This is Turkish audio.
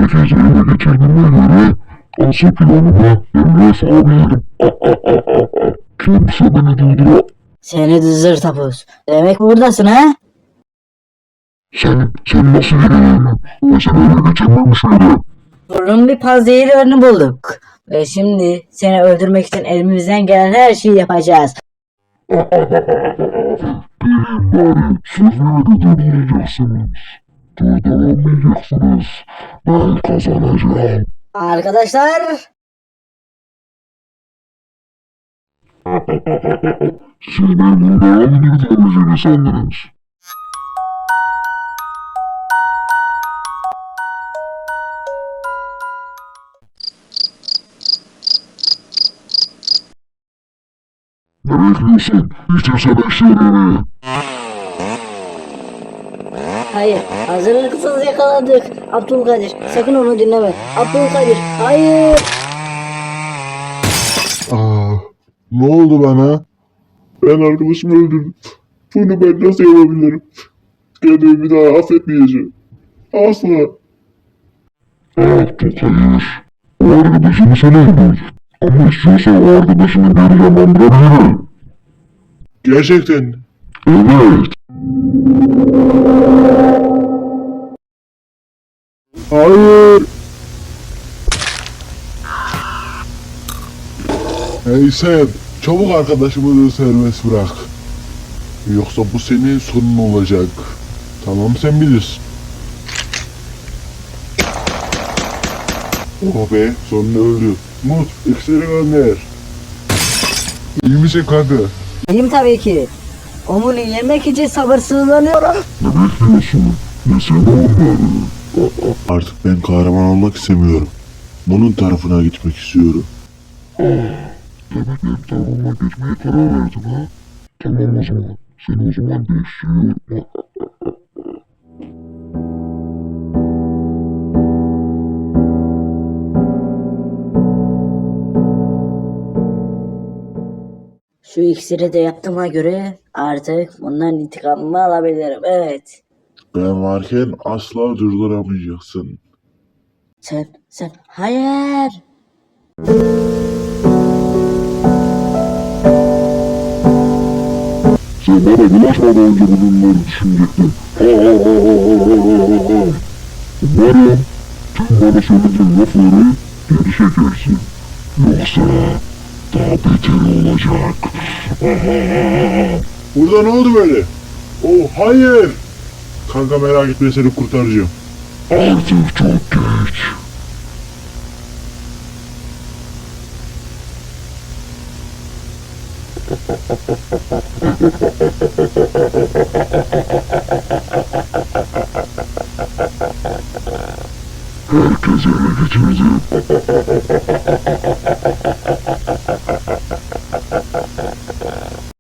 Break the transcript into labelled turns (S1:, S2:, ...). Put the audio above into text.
S1: herkesi ele geçirdiğime göre asıl planıma Emre sağlayayım. Kimse beni durduramaz.
S2: Seni zır tapuz. Demek buradasın ha?
S1: Sen nasıl geliyorsun? Ben seni ele geçirmemiş miydim?
S2: Bunun bir panzehirlerini bulduk. Ve şimdi seni öldürmek için elimizden gelen her şeyi yapacağız.
S1: Bari siz beni durduracaksınız. Durduramayacaksınız. Ben kazanacağım.
S2: Arkadaşlar,
S1: Siz beni buradan durduramayacağını sandınız. Ne bekliyorsun? İçersene şerini.
S2: hayır, hazırlıksız yakaladık. Abdülkadir, sakın onu dinleme. Abdülkadir, hayır.
S3: Ne oldu bana? Ben arkadaşımı öldürdüm. Bunu ben nasıl yapabilirim? Kendimi bir daha affetmeyeceğim. Asla.
S1: Çok hayır. O arkadaşını sen öldür. Ama istiyorsan o arkadaşını geri canlandırabilirim.
S3: Gerçekten.
S1: Evet.
S3: Hayır. Hey sen, çabuk arkadaşımı da serbest bırak. Yoksa bu senin sonun olacak. Tamam sen bilirsin. Oh be, sonunda öldü. Mut, iksiri gönder. İyi misin kanka?
S2: İyiyim tabii ki. Onu yemek için sabırsızlanıyorum.
S1: Ne bekliyorsun? Yesene onları.
S3: Artık ben kahraman olmak istemiyorum. Bunun tarafına gitmek istiyorum.
S1: Demek benim tarafıma geçmeye karar verdin ha? Tamam o zaman. Seni o zaman değiştiriyorum.
S2: Şu iksiri de yaptığıma göre artık bundan intikamımı alabilirim. Evet.
S3: Ben varken asla durduramayacaksın.
S2: Sen, hayır.
S1: Sen bana bulaşmadan önce bunları düşünecektin. Umarım tüm bana söylediğin lafları geri çekersin. Yoksa daha beter olacak.
S3: Burada ne oldu böyle? Oh hayır! Kanka merak etme seni kurtaracağım.
S1: Artık çok geç. Herkes ele geçirdi.